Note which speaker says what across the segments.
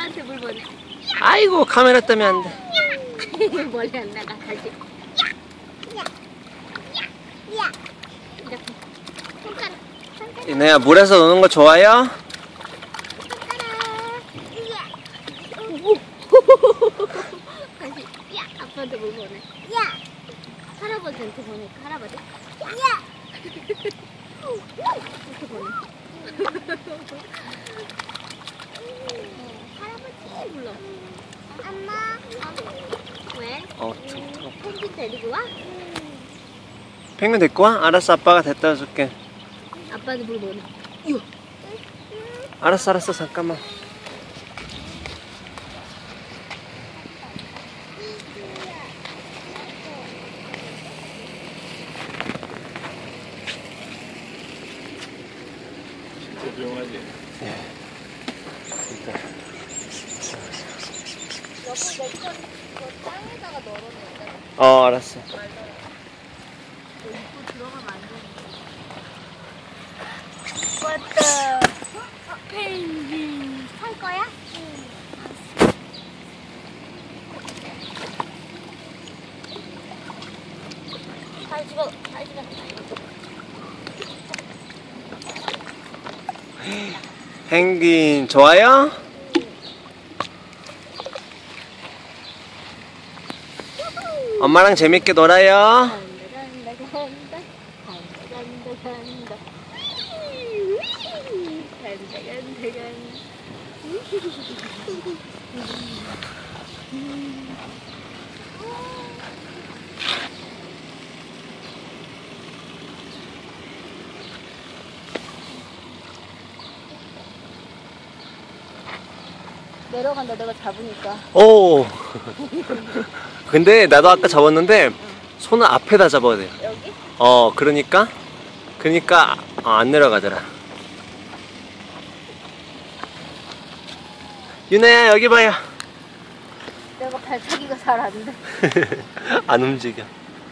Speaker 1: 아빠한테 물 버려.
Speaker 2: 아이고 카메라 때문에 안 돼.
Speaker 1: 멀리 안 나가. 다시. 이렇게. 손가락.
Speaker 2: 이내야 물에서 노는 거 좋아요?
Speaker 1: 다시. 야, 아빠한테 물 보내. 야. 할아버지한테 보낼까? 할아버지? 야. 이렇게 보내. 할아버지 불러. 엄마. 왜? 펭귄 데리고 와?
Speaker 2: 펭귄 데리고 와? 알았어 아빠가 데려다 줄게.
Speaker 1: 아빠한테 물 보내.
Speaker 2: 알았어 잠깐만.
Speaker 3: 진짜 조용하지?
Speaker 2: 네. 일단.
Speaker 1: 여보 내 땅에다가 널어놓을래.
Speaker 2: 알았어.
Speaker 1: 입고 들어가면 안 되는데. 왔다. 펭귄. 살 거야? 응. 잘 집어.
Speaker 2: 펭귄 좋아요? 엄마랑 재밌게 놀아요.
Speaker 1: 내려간다 내가 잡으니까.
Speaker 2: 오. 근데 나도 아까 잡았는데 손을 앞에다 잡아야 돼요.
Speaker 1: 여기?
Speaker 2: 그러니까 안 내려가더라. 유나야 여기 봐요.
Speaker 1: 내가 발차기가 잘 안 돼.
Speaker 2: 안 움직여.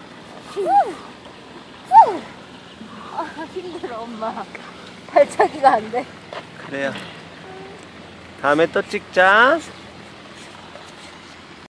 Speaker 1: 아 힘들어 엄마. 발차기가 안 돼.
Speaker 2: 그래요. 다음에 또 찍자.